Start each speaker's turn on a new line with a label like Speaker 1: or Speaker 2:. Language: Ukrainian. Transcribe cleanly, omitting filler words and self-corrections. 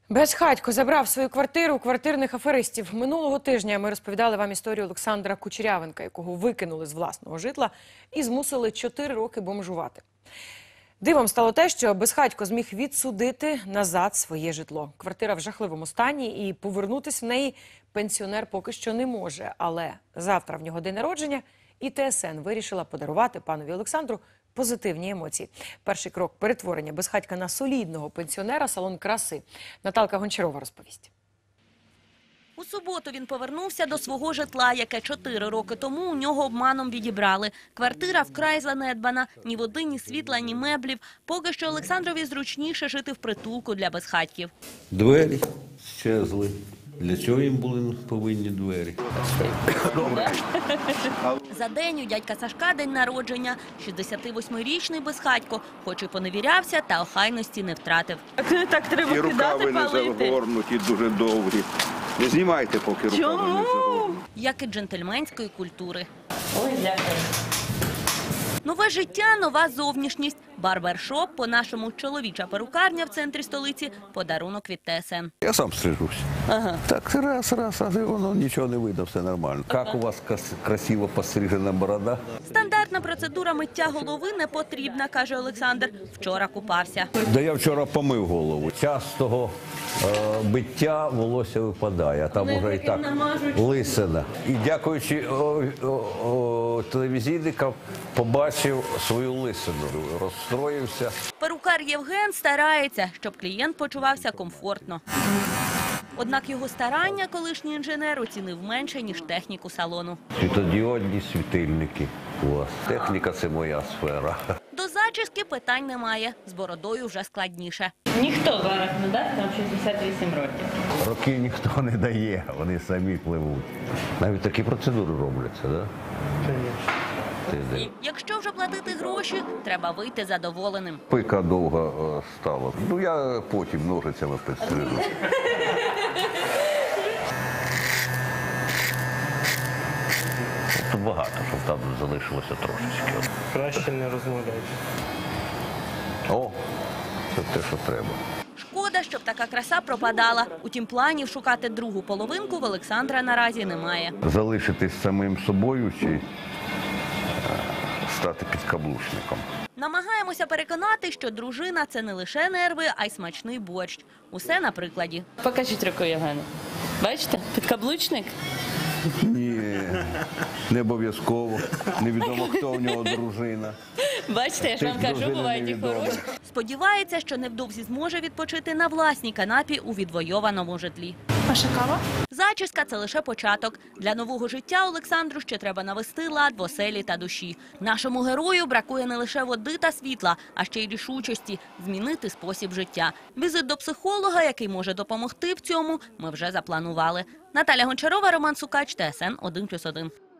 Speaker 1: Безхатько забрав свою квартиру у квартирних аферистів. Минулого тижня ми розповідали вам історію Олександра Кучерявенка, якого викинули з власного житла і змусили 4 роки бомжувати. Дивом стало те, що Безхатько зміг відсудити назад своє житло. Квартира в жахливому стані і повернутися в неї пенсіонер поки що не може. Але завтра в нього день народження і ТСН вирішила подарувати панові Олександру позитивні емоції. Перший крок перетворення Безхатька на солідного пенсіонера – салон краси. Наталка Гончарова розповість.
Speaker 2: У суботу він повернувся до свого житла, яке 4 роки тому у нього обманом відібрали. Квартира вкрай занедбана. Ні води, ні світла, ні меблів. Поки що Олександрові зручніше жити в притулку для безхатьків.
Speaker 3: Двері щезли. Для чого їм були повинні двері?
Speaker 2: За день у дядька Сашка день народження. 68-річний Безхатько, хоч і поневірявся, та охайності не втратив.
Speaker 4: Так треба
Speaker 5: і рукави не загорнуті, дуже довгі. Не знімайте, поки рукави не загорнуті.
Speaker 2: Як і джентльменської культури.
Speaker 4: Ой, дякую.
Speaker 2: Нове життя, нова зовнішність. Барбершоп, по-нашому чоловіча перукарня в центрі столиці – подарунок від ТСН.
Speaker 3: Я сам стрижусь.
Speaker 2: Ага.
Speaker 3: Так, раз, і воно нічого не видно, все нормально. Як у вас красиво пострижена борода?
Speaker 2: Стандартна процедура миття голови не потрібна, каже Олександр. Вчора купався.
Speaker 3: Да я вчора помив голову. Частого биття волосся випадає, а там уже і так лисина. І дякуючи телевізійникам побачив свою лисину, розстроївся.
Speaker 2: Перукар Євген старається, щоб клієнт почувався комфортно. Однак його старання колишній інженер оцінив менше, ніж техніку салону.
Speaker 3: Світодіодні світильники у вас. Техніка – це моя сфера.
Speaker 2: До зачіски питань немає, з бородою вже складніше.
Speaker 4: Ніхто зараз не дасть, нам 68 років.
Speaker 3: Роки ніхто не дає, вони самі пливуть. Навіть такі процедури робляться, так? Да?
Speaker 2: Якщо вже платити гроші, треба вийти задоволеним.
Speaker 3: Пика довго стала. Ну, я потім ножицями підстрижу. Тут багато, щоб там залишилося трошечки.
Speaker 6: Краще не розмовляйте.
Speaker 3: О, це те, що треба.
Speaker 2: Шкода, щоб така краса пропадала. Утім, планів шукати другу половинку в Олександра наразі немає.
Speaker 3: Залишитись самим собою чи стати підкаблучником.
Speaker 2: Намагаємося переконати, що дружина – це не лише нерви, а й смачний борщ. Усе на прикладі.
Speaker 4: Покажіть руку Євгену. Бачите? Підкаблучник.
Speaker 3: Ні, не обов'язково. Невідомо, хто в нього дружина.
Speaker 4: Бачите, я ж вам кажу, бувають і хороші.
Speaker 2: Сподівається, що невдовзі зможе відпочити на власній канапі у відвойованому житлі.
Speaker 7: Ваша кава?
Speaker 2: Зачіска – це лише початок. Для нового життя Олександру ще треба навести лад в оселі та душі. Нашому герою бракує не лише води та світла, а ще й рішучості – змінити спосіб життя. Візит до психолога, який може допомогти в цьому, ми вже запланували. Наталя Гончарова, Роман Сукач, ТСН 1+1.